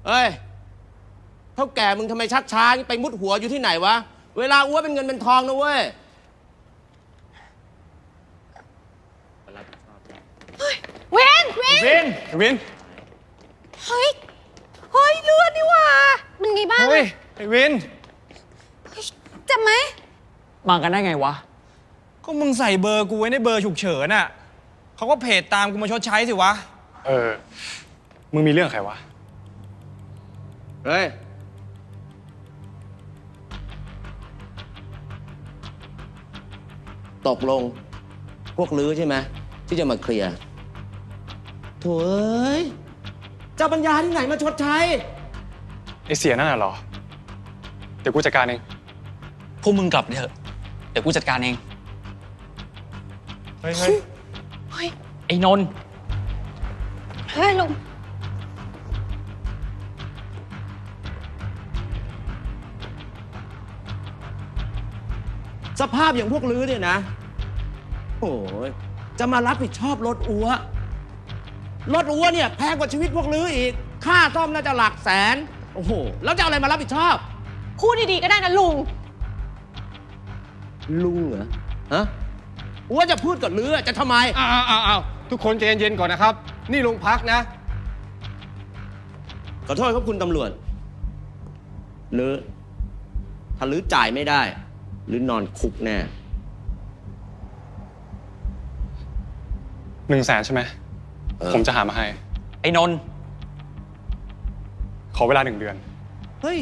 เอ้ยเท่าแก่มึงทำไมชักช้าไปมุดหัวอยู่ที่ไหนวะเวลาอ้วเป็นเงินเป็นทองนะเว้ยเวนวินเฮ้ยเลือดนี่หว่าเป็นไงบ้างเฮ้ยไอ้วินเจ็บไหมมากันได้ไงวะก็มึงใส่เบอร์กูไว้ในเบอร์ฉุกเฉินน่ะเขาก็เพจตามกูมาชดใช้สิวะมึงมีเรื่องใครวะเฮ้ยตกลงพวกลื้อใช่ไหมที่จะมาเคลียร์โถ่เอ้ยเจ้าปัญญาที่ไหนมาชดใช้ไอเสียนั่นน่ะเหรอเดี๋ยวกูจัดการเองพวกมึงกลับเถอะเดี๋ยวกูจัดการเองเฮ้ยไอ้นนท์เฮ้ยลุงสภาพอย่างพวกลื้อเนี่ยนะโอ้ยจะมารับผิดชอบรถอัวเนี่ยแพงกว่าชีวิตพวกลื้ออีกค่าซ่อมน่าจะหลักแสนโอ้โหแล้วจะเอาอะไรมารับผิดชอบพูดดีๆก็ได้นะลุงเหรอฮะอัวจะพูดกับลื้อจะทำไมอ้าวทุกคนใจเย็นๆก่อนนะครับนี่โรงพักนะขอโทษครับคุณตำรวจลื้อถ้าลื้อจ่ายไม่ได้หรือนอนคุกแน่ 100,000ใช่ไหมผมจะหามาให้ไอ้นนท์ขอเวลา1 เดือนเฮ้ย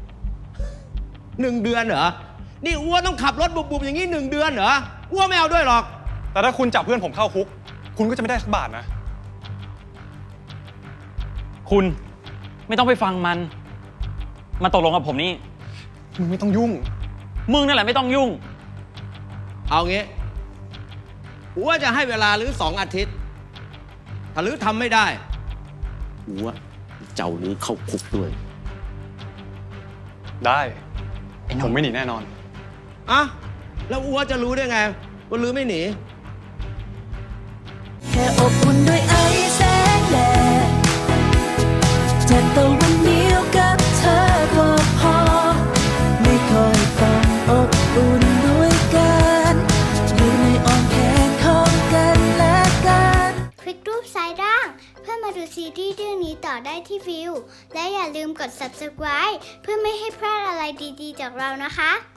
1 เดือนเหรอนี่อ้วต้องขับรถบุบๆอย่างนี้1 เดือนเหรออ้วไม่เอาด้วยหรอกแต่ถ้าคุณจับเพื่อนผมเข้าคุกคุณก็จะไม่ได้สักบาทนะคุณไม่ต้องไปฟังมันมาตกลงกับผมนี่มึงไม่ต้องยุ่งมึงนั่นแหละไม่ต้องยุ่งเอางี้อ้วจะให้เวลาลื้อ2 อาทิตย์ถ้าลื้อทำไม่ได้อ้วเจ้าลื้อเข้าคุกด้วยได้ผมไม่หนีแน่นอนอ่ะแล้วอ้วจะรู้ได้ไงว่าลื้อไม่หนีแค่อบอุ่นด้วยไอแสงแดดจากตะวันเดียวกับเธอก็พอไม่ค่อยต้องอบอุ่นด้วยกันอยู่ในอ้อมแขนของกันและกันคลิกรูปซ้ายล่างเพื่อมาดูซีรีส์เรื่องนี้ต่อได้ที่วิวและอย่าลืมกด subscribe เพื่อไม่ให้พลาดอะไรดีๆจากเรานะคะ